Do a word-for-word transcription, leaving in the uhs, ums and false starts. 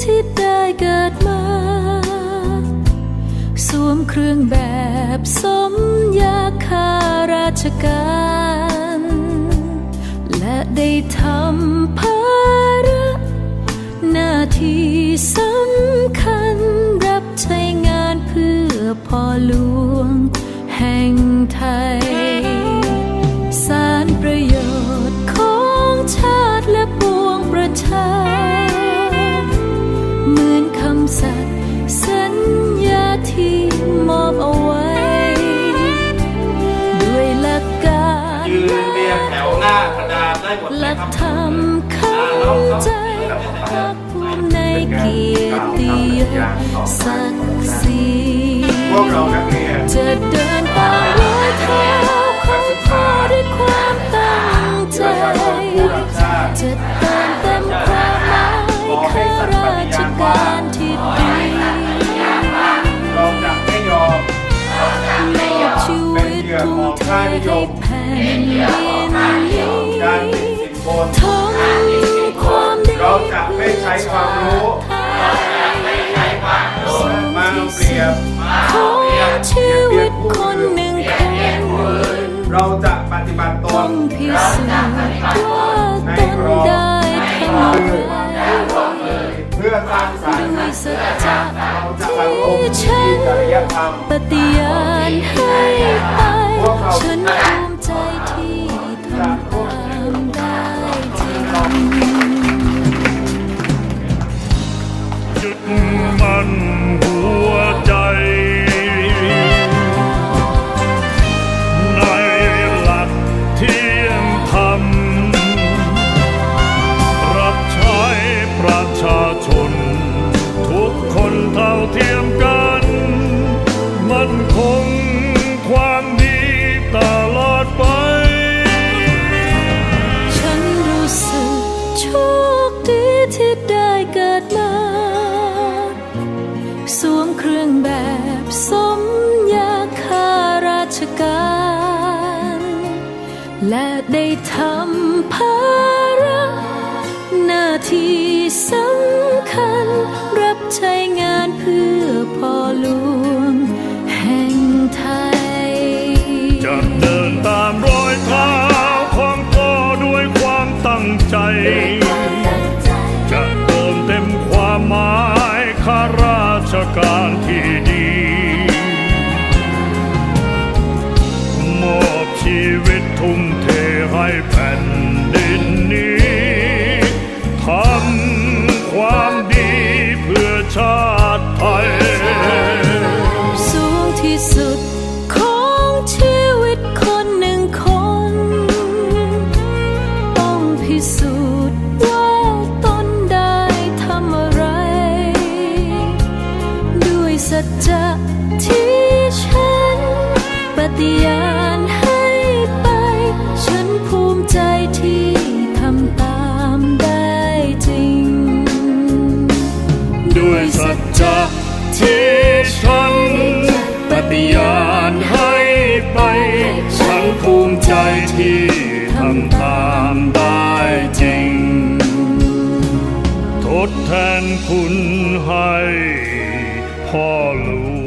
ที่ได้เกิดมาสวมเครื่องแบบสมยาข้าราชการและได้ทำภาระหน้าที่สำคัญรับใช้งานเพื่อพ่อหลวงแห่งไทยสารประโยชน์ของชาติและปวงประชาเหมือนคำสัตย์สัญญาที่มอบเอาไว้ด้วยหลักการยืนเรียงแถวหน้ากระดาษได้หมดหลักธรรมเข้าใจภาคภูมิในเกียรติยศศักดิ์ศรีจะเดินตามรอยเท้าของพ่อด้วยความตั้งใจจะเติมเต็มความหมายข้าราชการที่ดีเราจะไม่ยอมมอบชีวิตทุ่มเทให้แผ่นดินนี้ทำความดีเราจะไม่ใช้ความรู้มาเปรียบของชีวิตคนหนึ่งคนเราจะปฏิบัติตนพิสูจน์ว่าตนได้ทำอะไรเพื่อสร้างสรรค์ด้วยสัจจะที่ฉันปฏิญาณให้ไปฉันภูมิใจที่ทำตามได้จริงยึดมั่นหัวใจในหลักเที่ยงธรรมรับใช้ประชาชนทุกคนเท่าเทียมกันมั่นคงความดีตลอดไปฉันรู้สึกโชคดีที่ได้เกิดมาสวมเครื่องแบบสมยาข้าราชการและได้ทำภาระหน้าที่สำคัญรับใช้งานเพื่อพ่อหลวงแห่งไทยจะเดินตามรอยเท้าของพ่อด้วยความตั้งใจจะเติมเต็มความหมายข้าราชการที่ดีมอบชีวิตทุ่มเทให้แผ่นดินนี้ทำความดีเพื่อชาติไทยสูงที่สุดของชีวิตคนหนึ่งคนต้องพิสูจน์ว่าตนได้ทำอะไรด้วยสัจจะที่ฉันปฏิญาณให้ไปฉันภูมิใจที่ทำตามได้จริงด้วยสัจจะที่ฉันปฏิญาณให้ไปฉันภูมิใจที่ทำตามได้จริงทดแทนคุณให้พ่อหลวง